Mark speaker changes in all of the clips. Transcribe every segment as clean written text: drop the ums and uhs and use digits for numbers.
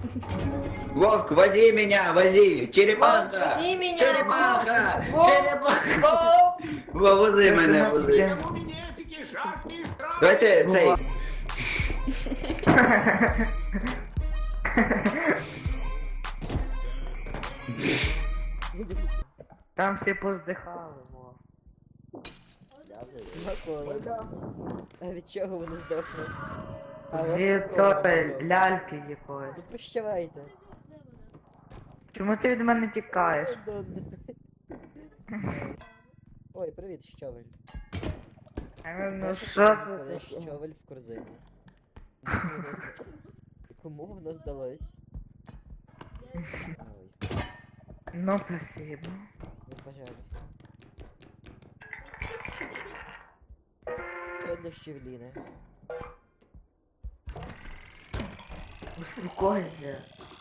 Speaker 1: Вовк, вози меня, вози! Черепаха!
Speaker 2: Вози меня!
Speaker 1: Черепаха!
Speaker 2: Вовк!
Speaker 1: Черепаха!
Speaker 2: Вовк!
Speaker 1: Вози мене, вози. Давайте цей.
Speaker 3: Там всі поздихали, во.
Speaker 4: А від чого вони здохли? от
Speaker 3: Від
Speaker 4: від
Speaker 3: цього
Speaker 4: кого?
Speaker 3: ляльки
Speaker 4: Ну
Speaker 3: якоїсь.
Speaker 4: прощавайте.
Speaker 3: Чому ти від мене тікаєш?
Speaker 4: Ой, привіт, щавель.
Speaker 3: Ну
Speaker 4: Знаєш,
Speaker 3: що
Speaker 4: коли
Speaker 3: ти?
Speaker 4: щавель в корзині. Кому воно здалось? Ой,
Speaker 3: Ну, спасибо.
Speaker 4: ну пожалуйста. Це для щавліни.
Speaker 3: Успокойся.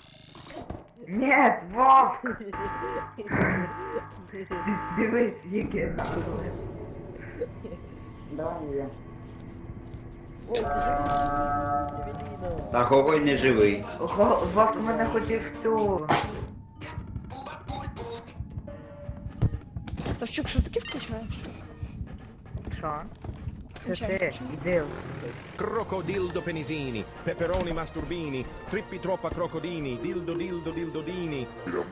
Speaker 3: Нет, Вовк! Дивись, яке нахуй.
Speaker 4: Ой, ти живий! Щавеліна!
Speaker 1: А Хогой не живий.
Speaker 3: Вовк мене хотів цю.
Speaker 2: Савчук, що таке включаєш?
Speaker 3: Що? Це
Speaker 2: Включай,
Speaker 3: ти,
Speaker 2: включай.
Speaker 3: іди сюди.
Speaker 5: Crocodildo penisini, peperoni masturbini, trippi troppa crocodini, dildo dildo dildodini.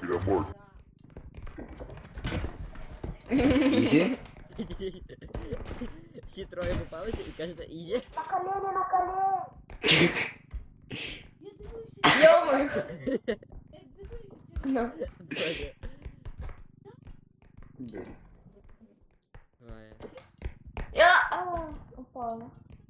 Speaker 1: Ізі?
Speaker 4: Всі троє попалися і кажете, іде?
Speaker 2: Йоми! Ну.
Speaker 4: Боже. Ой.
Speaker 2: Я упала.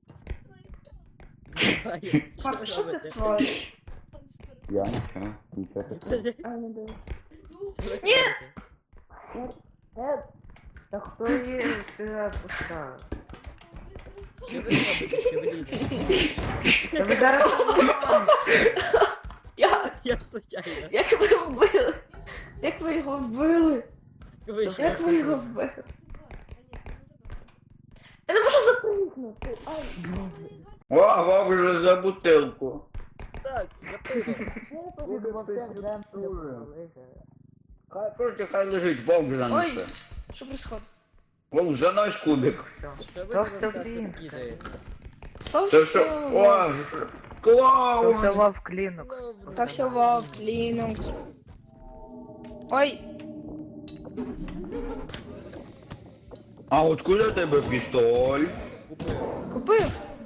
Speaker 4: Ой,
Speaker 2: Пап, що ти
Speaker 4: робите?
Speaker 2: твориш?
Speaker 1: Я нічого.
Speaker 2: А, не дивись.
Speaker 4: Що ви
Speaker 2: Ні!
Speaker 4: робите?
Speaker 3: Та хто її сюди поставив?
Speaker 4: Що ви робите, щавеліна?
Speaker 3: Та ви зараз
Speaker 4: Я случайно.
Speaker 2: Як ви його вбили? Як ви його вбили?
Speaker 4: Вийшов.
Speaker 2: Як ви його вбили? Я не можу запригнути. Ай,
Speaker 1: О, Вовк вже за бутилку.
Speaker 4: Так, запиво.
Speaker 1: Хай просто хай лежить, Вовк занесе.
Speaker 2: ой, що происходит?
Speaker 1: Вовк, занось кубик.
Speaker 4: Що ви
Speaker 3: То
Speaker 4: там
Speaker 3: все
Speaker 4: так
Speaker 3: блін.
Speaker 4: скидаєте?
Speaker 2: То
Speaker 1: Це
Speaker 2: все.
Speaker 1: що? О,
Speaker 3: То
Speaker 1: клоун!
Speaker 3: все Вовк Лінукс.
Speaker 4: Ну,
Speaker 2: То все Вов, Linux. Ой,
Speaker 1: А откуда у тебе пістоль?
Speaker 4: Купив.
Speaker 2: купив.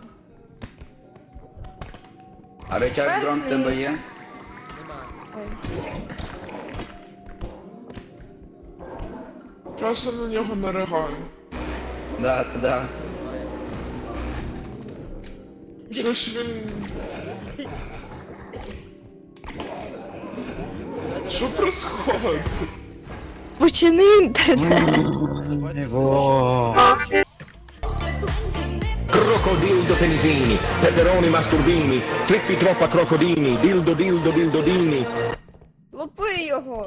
Speaker 1: А речах дрон в тебе є?
Speaker 4: Нема.
Speaker 2: Ой.
Speaker 6: Часу на нього наригаю.
Speaker 1: Да, да.
Speaker 6: Що ж він... Що происходит?
Speaker 2: Почини інтернет.
Speaker 5: Crocodildo penisini, peperoni masturbini, trippi troppa crocodini, dildo dildo dildodini.
Speaker 2: Лупи його.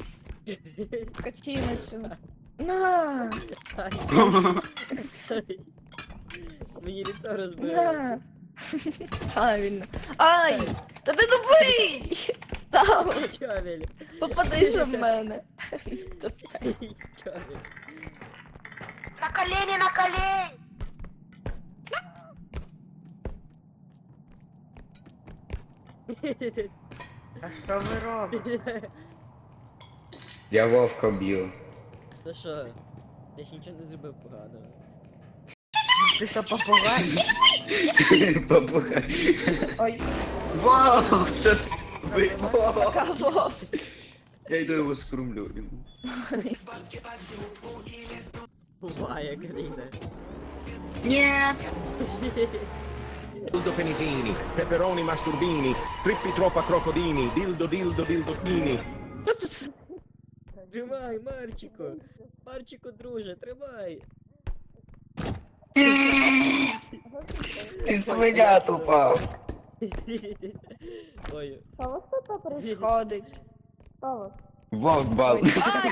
Speaker 2: Катіницю. На,
Speaker 4: Мені літо розбили.
Speaker 2: на. Правильно. Ай, та ти тупий. Там,
Speaker 4: Щавель.
Speaker 2: попади ж в мене.
Speaker 4: Щавель.
Speaker 7: На колени, на колени!
Speaker 3: А що ви робите?
Speaker 1: Я Вовка б'ю.
Speaker 4: Та що? Я ж нічого не зробив поганого.
Speaker 3: Ти що попугай?
Speaker 1: Попухай.
Speaker 2: Ой,
Speaker 1: Вовк, що ти робиш? Вовк.
Speaker 2: пока Вов.
Speaker 1: Я йду його скрумлю.
Speaker 4: Буває, Каріна.
Speaker 5: Dildo penisini, peperoni masturbini, trippi troppa crocodini, dildo dildo dildodini.
Speaker 2: Що тут?
Speaker 4: Тримай, Марчику. Марчику, друже, тримай.
Speaker 1: Ти свиня тупа.
Speaker 4: Ой.
Speaker 2: Що у вас тут происходить? Що у вас?
Speaker 1: Вовк бал.
Speaker 2: Ой, ай!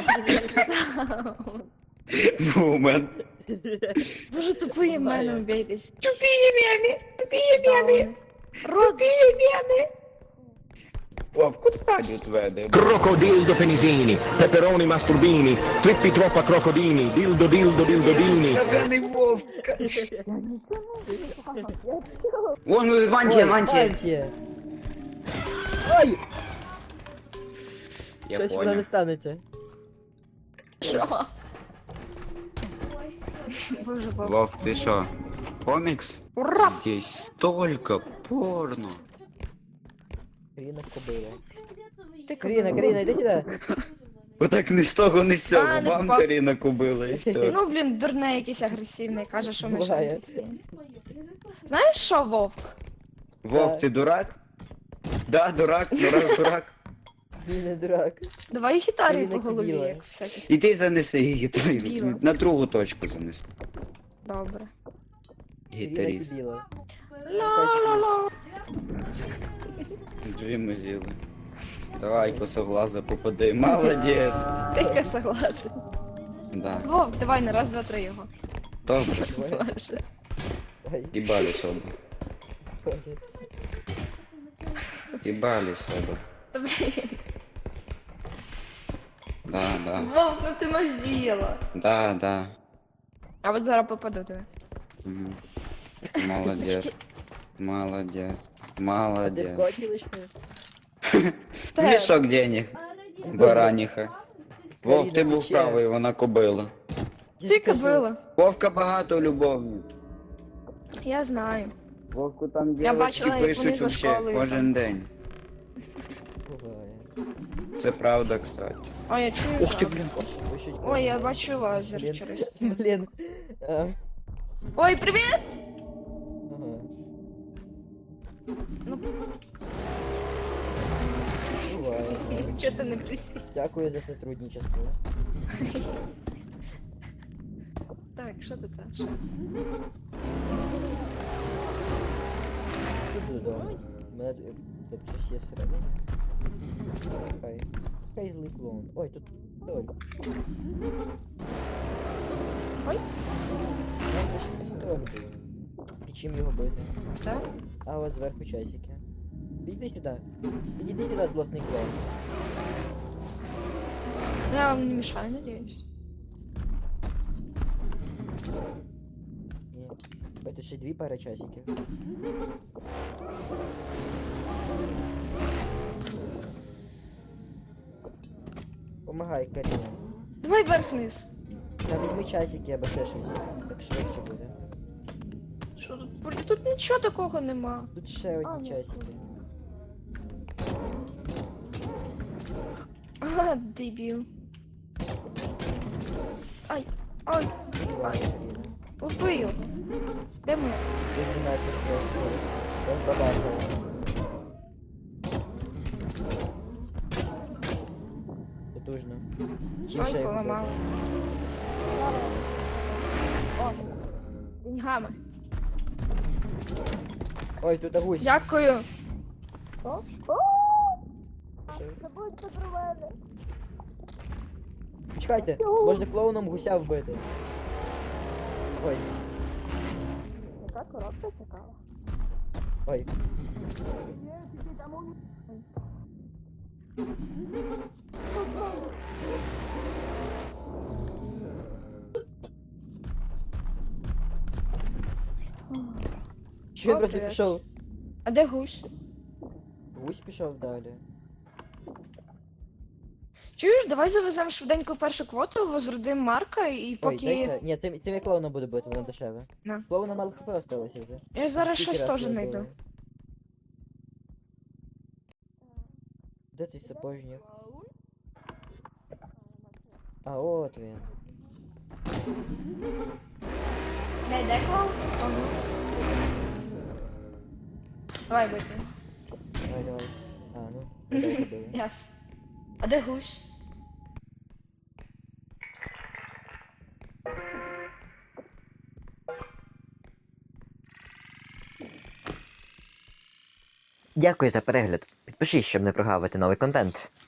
Speaker 1: Вумен.
Speaker 2: Боже, тупые мене убейтесь.
Speaker 3: Тупі мене! Тупі мене!
Speaker 2: Рот.
Speaker 3: Тупі мене!
Speaker 1: Вовк, куди стадіот веде?
Speaker 5: Crocodildo penisini, peperoni masturbini, trippi troppa crocodini, dildo dildo dildodini.
Speaker 1: Скажений вовк! Вон, мантія, мантія!
Speaker 4: Мантія! Ой!
Speaker 1: Я
Speaker 4: Щось вона
Speaker 1: понял.
Speaker 4: не станеться.
Speaker 2: Що? Боже, баб.
Speaker 1: Вовк, ти що? Комікс?
Speaker 2: Ура!
Speaker 1: Здесь столько порно.
Speaker 4: Каріна кобила.
Speaker 2: Ти
Speaker 4: Каріна, Каріна, йди сюди.
Speaker 1: Отак не з того, не з цього.
Speaker 2: А, не
Speaker 1: Вам
Speaker 2: впав.
Speaker 1: Каріна кубила і все.
Speaker 2: Ну, блін, дурне якийсь агресивний, каже, що ми
Speaker 4: Буває.
Speaker 2: шантівські. Знаєш що, Вовк?
Speaker 1: Вовк, ти дурак? Да, дурак, дурак.
Speaker 4: Він не дурак.
Speaker 2: Давай гітарою
Speaker 4: Каріна
Speaker 2: по голові,
Speaker 4: Кобіла.
Speaker 2: як всяких.
Speaker 1: Іди занеси її,
Speaker 2: Біла.
Speaker 1: на другу точку занеси.
Speaker 2: Добре.
Speaker 4: Каріна
Speaker 1: Гітаріст.
Speaker 4: кобіла.
Speaker 2: Ла-ла-ла.
Speaker 1: Дві ми з'їли. Давай, косоглаза попади. Молодець.
Speaker 2: Тільки согласен.
Speaker 1: Да.
Speaker 2: Вовк, давай на раз, два, три його.
Speaker 1: Добре.
Speaker 2: Боже.
Speaker 4: Ой,
Speaker 1: Їбали собі.
Speaker 4: Боже.
Speaker 1: Їбали собі.
Speaker 2: Та блін.
Speaker 1: Да.
Speaker 2: Вовк, ну ти мазіла.
Speaker 1: Да.
Speaker 2: А от зараз попаду тебе.
Speaker 1: Мгм. Молодець. Молодець.
Speaker 4: А де
Speaker 1: Молодець.
Speaker 4: в коті лиш ми?
Speaker 2: В тебе.
Speaker 1: Мішок денег. Бараніха. Вовк, ти був
Speaker 4: тече.
Speaker 1: правий, вона кобила.
Speaker 4: Я
Speaker 2: Ти
Speaker 4: ж кажу,
Speaker 2: кобила.
Speaker 1: Вовка багато любовниць.
Speaker 2: Я знаю.
Speaker 1: Вовку там
Speaker 2: Я
Speaker 1: дівчатки
Speaker 2: бачила, як вони
Speaker 1: пишуть
Speaker 2: за
Speaker 1: вообще
Speaker 2: школою
Speaker 1: кожен
Speaker 2: там.
Speaker 1: день.
Speaker 4: Буває.
Speaker 1: Це правда, кстати.
Speaker 2: Ой, я чую.
Speaker 1: Ух ти,
Speaker 2: жах.
Speaker 1: блін.
Speaker 4: Пишуть
Speaker 2: Ой, я
Speaker 4: кожен
Speaker 2: бачу лазер
Speaker 4: Блін.
Speaker 2: через.
Speaker 4: день. Блін. А,
Speaker 2: Ой, привіт!
Speaker 4: Ага.
Speaker 2: Ну.
Speaker 4: Буває.
Speaker 2: Чого ти не присів?
Speaker 4: Дякую за сотрудничество.
Speaker 2: Так, що ти теж?
Speaker 4: Тут додому. У мене тут щось є всередині. Хай. Хай злий клоун. Ой, тут соль.
Speaker 2: Ой.
Speaker 4: Там же ж пістоль був. І чим його бити?
Speaker 2: Так?
Speaker 4: А от зверху часики. Підійди сюди. Підійди сюди, злосний клоун.
Speaker 2: Я вам не мешаю, надеюсь.
Speaker 4: Ні. Ой, тут ще дві пари часиків. Помагай, Каріна.
Speaker 2: Давай вверх-вниз.
Speaker 4: Та візьми часики або ще щось. Так швидше буде.
Speaker 2: Що тут? Блін, тут нічого такого нема.
Speaker 4: Тут ще
Speaker 2: А,
Speaker 4: одні
Speaker 2: ні.
Speaker 4: часики.
Speaker 2: Ага, дебіл. Ай, ай,
Speaker 4: Давай, Каріна.
Speaker 2: убий його. Де ми?
Speaker 4: Ти 12 просто. Я забагав. Потужно. Чим ще
Speaker 2: Ой,
Speaker 4: його
Speaker 2: поламали. О, деньгами.
Speaker 4: бити? Ой, тут гусь.
Speaker 2: Дякую.
Speaker 4: Чекайте, можна клоуном гуся вбити. Ой,
Speaker 2: Яка коробка цікава.
Speaker 4: ой. Чи він
Speaker 2: О,
Speaker 4: просто
Speaker 2: привіт.
Speaker 4: пішов?
Speaker 2: А де гусь?
Speaker 4: Гусь пішов далі.
Speaker 2: Чуєш, давай завеземо швиденько першу квоту, возродимо Марка і
Speaker 4: Ой,
Speaker 2: поки...
Speaker 4: дайте. Ні, тим я клоуна буду бити, воно дешеве.
Speaker 2: На.
Speaker 4: Клоуна мало хп осталося вже.
Speaker 2: Я зараз
Speaker 4: Скільки
Speaker 2: щось
Speaker 4: раз
Speaker 2: теж
Speaker 4: його
Speaker 2: знайду.
Speaker 4: били? Де цей сапожник? А, от він.
Speaker 2: Де клоун? О, ну. Давай бити.
Speaker 4: Давай, давай. А, ну, давай побили.
Speaker 2: Яс. А де гусь?
Speaker 8: Дякую за перегляд. Підпишись, щоб не прогавити новий контент.